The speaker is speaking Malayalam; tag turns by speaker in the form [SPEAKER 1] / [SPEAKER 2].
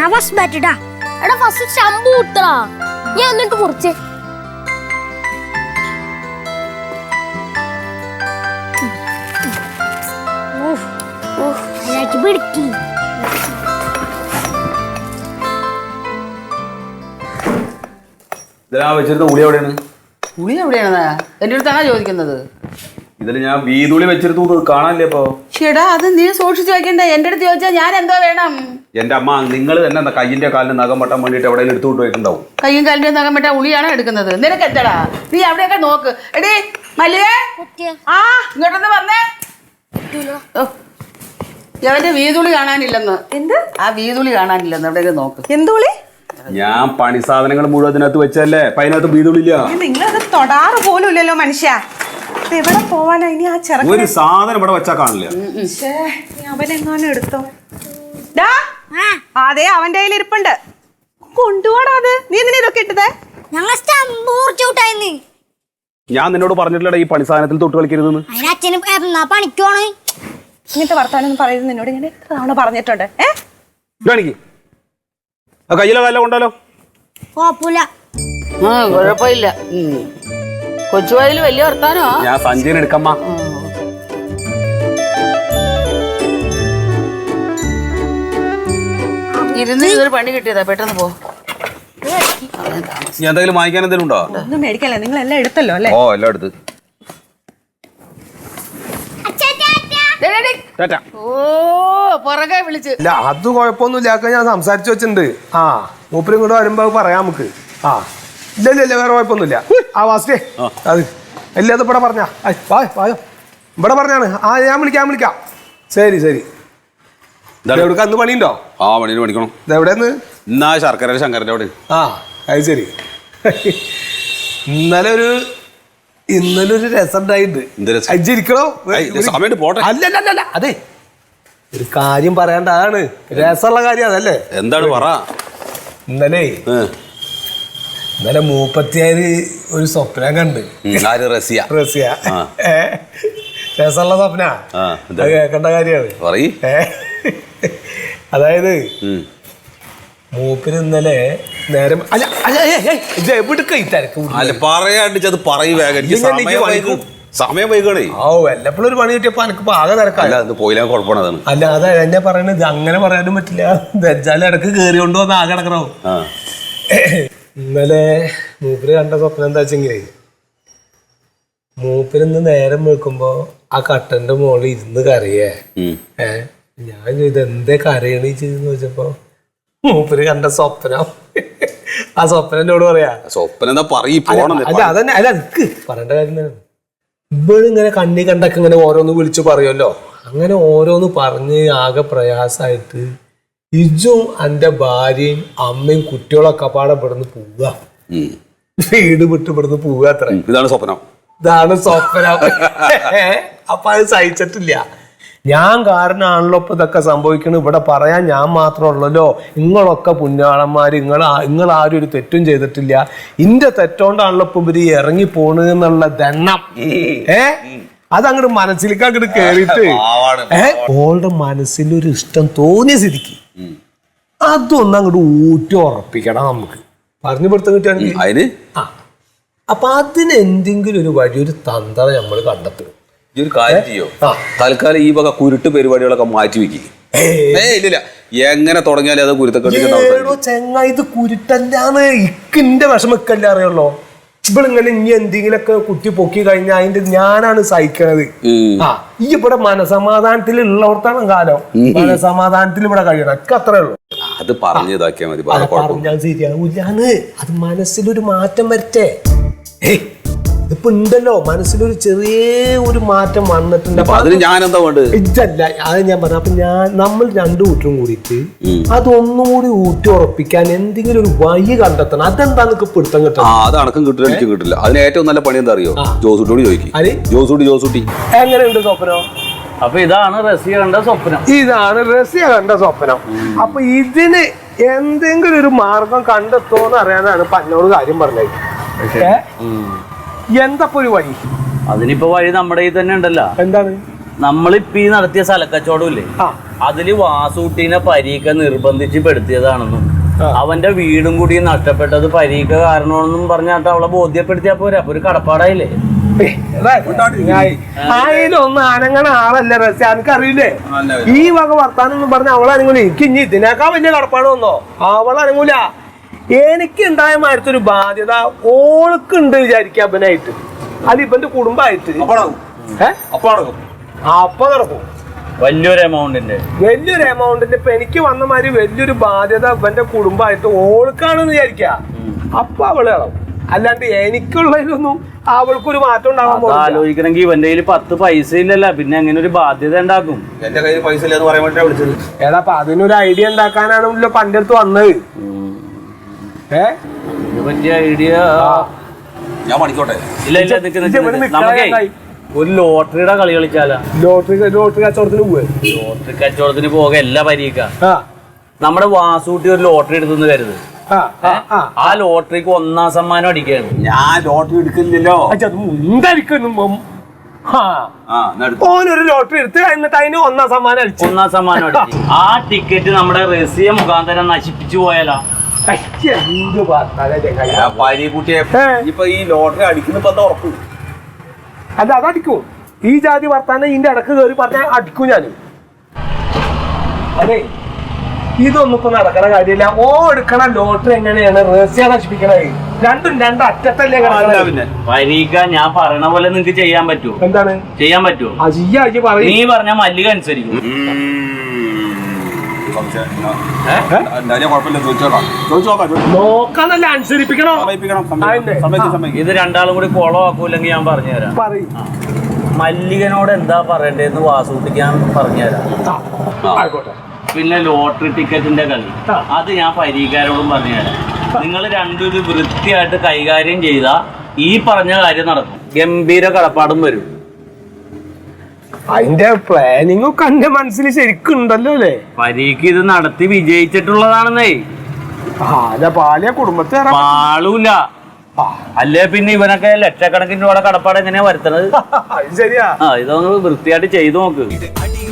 [SPEAKER 1] ഞാൻ ഫസ്റ്റ് ബാറ്റ് ഇടാ.
[SPEAKER 2] എടാ ഫസ്റ്റ് ശമ്പു കുത്തടാ. ഞാൻ എന്നിട്ട് മുറിച്ചേ.
[SPEAKER 1] പിടിക്കി
[SPEAKER 3] വെച്ചിരുന്ന ഉളി എവിടെയാണ്?
[SPEAKER 4] ഉളി എവിടെയാണ്? എന്റെ അടുത്താണോ ചോദിക്കുന്നത്?
[SPEAKER 3] ഇതിൽ ഞാൻ വീതുളി വെച്ചിരുന്നു കാണാനില്ലേ ഇപ്പൊ?
[SPEAKER 4] ചേടാ അത് നീ സൂക്ഷിച്ചു വെക്കണ്ടേ? എന്റെ അടുത്ത് ചോദിച്ചാൽ ഞാൻ എന്തോ വേണം?
[SPEAKER 3] എന്റെ അമ്മ നിങ്ങൾ തന്നെ കയ്യിന്റെ കാലിന് നഖം വെട്ടാൻ വേണ്ടിട്ട് എവിടെയെങ്കിലും എടുത്തു പോയിട്ടുണ്ടാവും.
[SPEAKER 4] കയ്യും കാലിന്റെ നഖം വെട്ടാൻ ഉളിയാണോ എടുക്കുന്നത്? നിനക്ക് എന്താടാ? നീ അവിടെയൊക്കെ നോക്ക്. എടീ മല്ലികേ, ആ ഇങ്ങോട്ടൊന്ന് വന്നേ. അവന്റെ വീതുളി കാണാനില്ലെന്ന്. എന്ത്? ആ വീതുളി കാണാനില്ലെന്ന് എവിടെയൊക്കെ നോക്ക്.
[SPEAKER 5] എന്തുളി?
[SPEAKER 3] ഞാൻ പണി സാധനങ്ങൾ മുഴുവൻ അതിനകത്ത് വെച്ചല്ലേ. അതിനകത്ത് വീതുളില്ല.
[SPEAKER 5] നിങ്ങളത് തൊടാറ് പോലും ഇല്ലല്ലോ മനുഷ്യ. എവിടെ പോവാനാ ഇനി? ആ ചെറുക്കൻ
[SPEAKER 3] ഒരു സാധനം ഇവിടെ വെച്ചാ കാണില്ല.
[SPEAKER 5] അവനെങ്ങാനും എടുത്തോ? അതെ അവന്റെ കയ്യിൽ ഇരിപ്പുണ്ട്. കൊണ്ടുപോടാ അത്. നീ എന്തിനാ ഇതൊക്കെ ഇട്ടത്?
[SPEAKER 1] ഞങ്ങൾ സ്റ്റമ്പ് മുറിച്ചുവിട്ടായിരുന്നു.
[SPEAKER 3] ഞാൻ നിന്നോട് പറഞ്ഞിട്ടില്ലടാ ഈ പണി സാധനത്തിൽ തൊട്ട് കളിക്കരുതെന്ന്.
[SPEAKER 1] അതിനച്ഛനും പണിക്കോണ്.
[SPEAKER 5] ഇങ്ങനത്തെ വർത്താനം പറയുന്നത് നിന്നോട് ഞാൻ എത്ര തവണ പറഞ്ഞിട്ടുണ്ട്.
[SPEAKER 3] കയ്യിലെ വല്ല കൊണ്ടാലോ?
[SPEAKER 1] കുഴപ്പമില്ല.
[SPEAKER 4] കുഴപ്പമില്ല. കൊച്ചുവായിൽ വലിയ വർത്താനോ?
[SPEAKER 3] ഞാൻ സഞ്ജയൻ എടുക്കമ്മ.
[SPEAKER 4] ഇരുന്ന് ഇതൊരു പണി കിട്ടിയതാ. പെട്ടെന്ന് പോ.
[SPEAKER 3] ഞാൻ എന്തെങ്കിലും വാങ്ങിക്കാൻ എന്തെങ്കിലും ഉണ്ടോ?
[SPEAKER 5] ഒന്നും മേടിക്കല്ലേ, നിങ്ങൾ എല്ലാം എടുത്തല്ലോ അല്ലേ?
[SPEAKER 3] ഓ എല്ലാം എടുത്ത്.
[SPEAKER 4] ഓ പുറകെ വിളിച്ച്.
[SPEAKER 6] ഇല്ല അത് കുഴപ്പമൊന്നുമില്ല. ഞാൻ സംസാരിച്ചു വെച്ചിട്ടുണ്ട്. ആ മൂപ്പരും കൂടെ വരുമ്പോ പറയാം നമുക്ക്. ആ ഇല്ല ഇല്ല ഇല്ല വേറെ കുഴപ്പമൊന്നുമില്ല. ആ വാസ്റ്റേ അത് ഇല്ല അത് ഇവിടെ പറഞ്ഞാ വായോ ഇവിടെ പറഞ്ഞാണ്. ആ ഞാൻ വിളിക്കാം. ശരി ശരി. എവിടെ അന്ന് പണിയുണ്ടോ?
[SPEAKER 3] ആ പണിയിൽ പണിക്കണം.
[SPEAKER 6] ഇതെവിടെന്ന്?
[SPEAKER 3] എന്നാ ശർക്കര ശങ്കരൻ്റെ അവിടെ.
[SPEAKER 6] ആ അത് ശരി. ഇന്നലെ ഒരു രസം ഉണ്ടായിട്ടുണ്ട്. അല്ലല്ല അതെ ഒരു കാര്യം പറയണ്ട. അതാണ് രസമുള്ള കാര്യം അതല്ലേ.
[SPEAKER 3] എന്താണ് പറ.
[SPEAKER 6] ഇന്നലെ മൂപ്പത്തിയാര് ഒരു സ്വപ്നം കണ്ട്.
[SPEAKER 3] റസിയ
[SPEAKER 6] രസമുള്ള സ്വപ്ന. കേൾക്കേണ്ട കാര്യമാണ്. അതായത് മൂപ്പിന് ഇന്നലെ നേരം
[SPEAKER 3] സമയം വൈകണേ.
[SPEAKER 6] ഓ വല്ലപ്പോഴും ഒരു പണി കിട്ടിയപ്പോ എനിക്ക് ആകെ തിരക്കല്ല.
[SPEAKER 3] പോയില്ല കുഴപ്പമാണ്.
[SPEAKER 6] അല്ല അതാ എന്നെ പറയണത്. അങ്ങനെ പറയാനും പറ്റില്ല. വെച്ചാലും ഇടക്ക് കേറി കൊണ്ടുവന്ന് ആകെ കിടക്കണോ. ഇന്നലെ മൂപ്പര് കണ്ട സ്വപ്നം എന്താ വെച്ചെങ്കിലേ, മൂപ്പരിന്ന് നേരം വെക്കുമ്പോ ആ കട്ടന്റെ മുകളിൽ ഇരുന്ന് കരയേ. ഞാൻ ചെയ്ത് എന്തേ കരയണീ ചെയ്തെന്ന് വെച്ചപ്പോ മൂപ്പര് കണ്ട സ്വപ്നം. ആ സ്വപ്നം എന്നോട് പറയാ.
[SPEAKER 3] സ്വപ്നം എന്താ
[SPEAKER 6] അല്ല അതന്നെ. അല്ല എനിക്ക് പറയേണ്ട കാര്യം തന്നെ. ഇവളിങ്ങനെ കണ്ണി കണ്ടൊക്കെ ഇങ്ങനെ ഓരോന്ന് വിളിച്ചു പറയുമല്ലോ. അങ്ങനെ ഓരോന്ന് പറഞ്ഞ് ആകെ പ്രയാസമായിട്ട് ഇജും എന്റെ ഭാര്യയും അമ്മയും കുട്ടികളൊക്കെ പാടെ ഇവിടുന്ന് പോവുക. വീട് വിട്ട് ഇവിടുന്ന് പോവുക. അത്ര
[SPEAKER 3] ഇതാണ് സ്വപ്നം.
[SPEAKER 6] അപ്പൊ അത് സഹിച്ചിട്ടില്ല. ഞാൻ കാരണമാണല്ലോ ഇപ്പൊ ഇതൊക്കെ സംഭവിക്കണം. ഇവിടെ പറയാൻ ഞാൻ മാത്രമല്ലല്ലോ. നിങ്ങളൊക്കെ പുണ്യാളന്മാര്. നിങ്ങൾ ആരും ഒരു തെറ്റും ചെയ്തിട്ടില്ല. ഇന്റെ തെറ്റോണ്ടാണല്ലോ ഇപ്പൊ ഇവര് ഇറങ്ങി പോണെന്നുള്ള ദണ്ണം അതങ്ങോട്ട് മനസ്സിലേക്ക് അങ്ങോട്ട് കേറിയിട്ട് ഓളുടെ മനസ്സിലൊരു ഇഷ്ടം തോന്നിയ സ്ഥിതിക്ക് അതൊന്നും അങ്ങോട്ട് ഊറ്റി ഉറപ്പിക്കണം. നമുക്ക് പറഞ്ഞു പിടുത്തം കിട്ടുകയാണെങ്കിൽ അപ്പൊ അതിന് എന്തെങ്കിലും ഒരു വഴി, ഒരു തന്ത്രം നമ്മൾ കണ്ടെത്തും.
[SPEAKER 3] ഒരു കാര്യം ചെയ്യോ, തൽക്കാലം ഈ വക കുരുട്ട് പരിപാടികളൊക്കെ മാറ്റി വെക്കുക. ഇല്ല എങ്ങനെ തുടങ്ങിയാലും അത് കുരുത്തക്കെട്ടോ
[SPEAKER 6] ചെങ്ങ. ഇത് കുരുട്ടല്ലാന്ന് ഇക്കിന്റെ വിഷമക്കല്ല അറിയുള്ളൂ. ഇവളിങ്ങനെ ഇനി എന്തെങ്കിലുമൊക്കെ കുത്തി പൊക്കി കഴിഞ്ഞാൽ അതിന്റെ ഞാനാണ് സഹിക്കണത്. ഈ ഇവിടെ മനസമാധാനത്തിൽ ഉള്ളവർക്കാണ് കാലം. മനസമാധാനത്തിൽ ഇവിടെ കഴിയണം. ഒക്കെ അത്രേ ഉള്ളൂ.
[SPEAKER 3] അത് പറഞ്ഞു ഇതാക്കിയാൽ മതി.
[SPEAKER 6] പറഞ്ഞാൽ ശരിയാവൂല്ലാന്ന്. അത് മനസ്സിലൊരു മാറ്റം വരട്ടെ. ഇതിപ്പോ ഉണ്ടല്ലോ മനസ്സിലൊരു ചെറിയ ഒരു മാറ്റം വന്നിട്ടുണ്ട്.
[SPEAKER 3] അതിന് ഞാൻ എന്താ വേണ്ടത്?
[SPEAKER 6] ഇതല്ല അത് ഞാൻ പറഞ്ഞു. അപ്പൊ നമ്മൾ രണ്ടു കൂട്ടരും കൂടിയിട്ട് അതൊന്നുകൂടി ഊറ്റി ഉറപ്പിക്കാൻ എന്തെങ്കിലും ഒരു വഴി കണ്ടെത്തണം. അതെന്താ നിനക്ക് പിടുത്തം കിട്ടണം?
[SPEAKER 3] അത് അണക്കം കിട്ടില്ല, എനിക്ക് കിട്ടില്ല. അതിന് ഏറ്റവും നല്ല പണി എന്താ അറിയോ? ജോസൂട്ടിയോട് ചോദിക്കും. ജോസൂട്ടി
[SPEAKER 6] എങ്ങനെയുണ്ട് സ്വപ്നം?
[SPEAKER 7] അപ്പൊ ഇതാണ് റസിയ കണ്ട സ്വപ്നം.
[SPEAKER 6] അപ്പൊ ഇതിന് എന്തെങ്കിലും ഒരു മാർഗം കണ്ടെത്തോന്ന് അറിയാനാണ് ഇപ്പൊ എന്നോട് കാര്യം പറഞ്ഞത്. എന്താ ഒരു വഴി?
[SPEAKER 7] അതിനിപ്പോ വഴി നമ്മുടെ ഈ തന്നെ ഉണ്ടല്ലോ.
[SPEAKER 6] എന്താണ്?
[SPEAKER 7] നമ്മളിപ്പോ ഈ നടത്തിയ സ്ഥലക്കച്ചവടം ഇല്ലേ,
[SPEAKER 6] ആ.
[SPEAKER 7] അതില് വാസൂട്ടീനെ പരീക്ക നിർബന്ധിച്ച് പെടുത്തിയതാണെന്നും
[SPEAKER 6] ആ.
[SPEAKER 7] അവന്റെ വീടും കൂടി നഷ്ടപ്പെട്ടത് പരീക്ക കാരണമെന്നും പറഞ്ഞിട്ട് അവളെ ബോധ്യപ്പെടുത്തിയാ പോരാ. അപ്പൊ ഒരു കടപ്പാടായില്ലേ?
[SPEAKER 6] അതിലൊന്നും അനങ്ങണ ആളല്ല റസ്യ, എനിക്കറിയില്ലേ ഈ വക വർത്താനം ഒന്നും പറഞ്ഞ അവളനങ്ങൂല. എനിക്ക് ഇനി ഇതിനേക്കാൾ വലിയ കടപ്പാട് വന്നോ അവളനങ്ങൂല. എനിക്ക് ഉണ്ടായ മാരത്തൊരു ബാധ്യത ഓൾക്കുണ്ട് വിചാരിക്കുക അവനായിട്ട്, അത് ഇവന്റെ കുടുംബമായിട്ട്. അപ്പൊ നടക്കും
[SPEAKER 7] വലിയൊരു എമൗണ്ടിന്റെ
[SPEAKER 6] ഇപ്പൊ എനിക്ക് വന്ന മാതിരി വലിയൊരു ബാധ്യത ഇവന്റെ കുടുംബമായിട്ട് ഓൾക്കാണെന്ന് വിചാരിക്ക. അപ്പൊ അവള് കളവും. അല്ലാണ്ട് എനിക്കുള്ളതിലൊന്നും അവൾക്കൊരു മാറ്റം ഉണ്ടാവാൻ പോകും.
[SPEAKER 7] ആലോചിക്കണമെങ്കിൽ ഇവന്റെ കയ്യിൽ 10 പൈസ ഇല്ലല്ല, പിന്നെ അങ്ങനെ ഒരു ബാധ്യത ഉണ്ടാക്കും.
[SPEAKER 3] എന്റെ കയ്യിൽ പൈസ ഇല്ലെന്ന് പറയാൻ വേണ്ടിട്ടാ വിളിച്ചത്.
[SPEAKER 6] ഏതാ അപ്പൊ അതിനൊരു ഐഡിയ ഉണ്ടാക്കാനാണല്ലോ പണ്ട് അടുത്ത് വന്നത്.
[SPEAKER 7] ഇത് പറ്റിയ ഐഡിയ
[SPEAKER 3] ഞാൻ പഠിക്കോട്ടെ.
[SPEAKER 7] ഇല്ല ഇല്ല, നമുക്കേ ഒരു ലോട്ടറിയുടെ കളി കളിച്ചാലാ.
[SPEAKER 6] ലോട്ടറി കച്ചവടത്തിന് പോവേ.
[SPEAKER 7] ലോട്ടറി കച്ചവടത്തിന് പോകെ എല്ലാ പരീക്ക നമ്മുടെ വാസൂട്ടി ഒരു ലോട്ടറി എടുത്തെന്ന് കരുത്. ആ ലോട്ടറിക്ക് 1ാം സമ്മാനം അടിക്കുകയാണ്.
[SPEAKER 3] ഞാൻ ലോട്ടറി എടുക്കുന്നില്ലല്ലോ.
[SPEAKER 6] ഓനൊരു ലോട്ടറി എടുത്ത് എന്നിട്ട് അതിന് 1ാം സമ്മാനം അടിച്ചു.
[SPEAKER 7] 1ാം സമ്മാനം അടിച്ചു. ആ ടിക്കറ്റ് നമ്മുടെ റസിയ മുഖാന്തരം നശിപ്പിച്ചു പോയാലോ?
[SPEAKER 3] പരീക്കുട്ടിയെ ഇപ്പൊ ഈ ലോട്ടറി അടിക്കുന്ന ഉറപ്പ്.
[SPEAKER 6] അല്ല അതടിക്കും. ഈ ജാതി വർത്താനം ഇതിന്റെ ഇടക്ക് കയറി പറഞ്ഞാൽ അടിക്കും ഞാൻ. അതെ, ഇതൊന്നും ഇപ്പൊ നടക്കണ കാര്യമില്ല. ഓ എടുക്കണ ലോട്ടറി എങ്ങനെയാണ് റഹസ്യ നശിപ്പിക്കണത്? രണ്ടും അറ്റത്തല്ലേ കിടക്കണത്.
[SPEAKER 7] പരീക്ക ഞാൻ പറയണ പോലെ നിങ്ങക്ക് ചെയ്യാൻ പറ്റുമോ?
[SPEAKER 6] എന്താണ്
[SPEAKER 7] ചെയ്യാൻ പറ്റുമോ? നീ പറഞ്ഞ മല്ലിക അനുസരിക്കും.
[SPEAKER 6] നോക്കാന്നല്ല അനുസരിപ്പിക്കണോ?
[SPEAKER 7] ഇത് രണ്ടാളും കൂടി കുളമാക്കൂല്ലെങ്കിൽ ഞാൻ പറഞ്ഞുതരാം. മല്ലികനോട് എന്താ പറയണ്ടേന്ന് വാസൂട്ടിക്ക് ഞാൻ പറഞ്ഞുതരാം. പിന്നെ ലോട്ടറി ടിക്കറ്റിന്റെ കളി അത് ഞാൻ പരീക്കാരോടും പറഞ്ഞുതരാം. നിങ്ങൾ രണ്ടും ഇത് വൃത്തിയായിട്ട് കൈകാര്യം ചെയ്താ ഈ പറഞ്ഞ കാര്യം നടക്കും. ഗംഭീര കടപ്പാടും വരും.
[SPEAKER 6] അതിന്റെ പ്ലാനിങ് ഒക്കെ എന്റെ മനസ്സിൽ ശരിക്കും ഉണ്ടല്ലോ അല്ലേ?
[SPEAKER 7] പരീക്ക് ഇത് നടത്തി വിജയിച്ചിട്ടുള്ളതാണെന്നേ.
[SPEAKER 6] പാലിയ കുടുംബത്തെ
[SPEAKER 7] പാളൂല. അല്ലേ പിന്നെ ഇവനൊക്കെ ലക്ഷക്കണക്കിന് രൂപയുടെ കടപ്പാട് എങ്ങനെയാ വരുത്തണത്?
[SPEAKER 6] ശരിയാ.
[SPEAKER 7] ഇതൊന്ന് വൃത്തിയായിട്ട് ചെയ്തു നോക്ക്.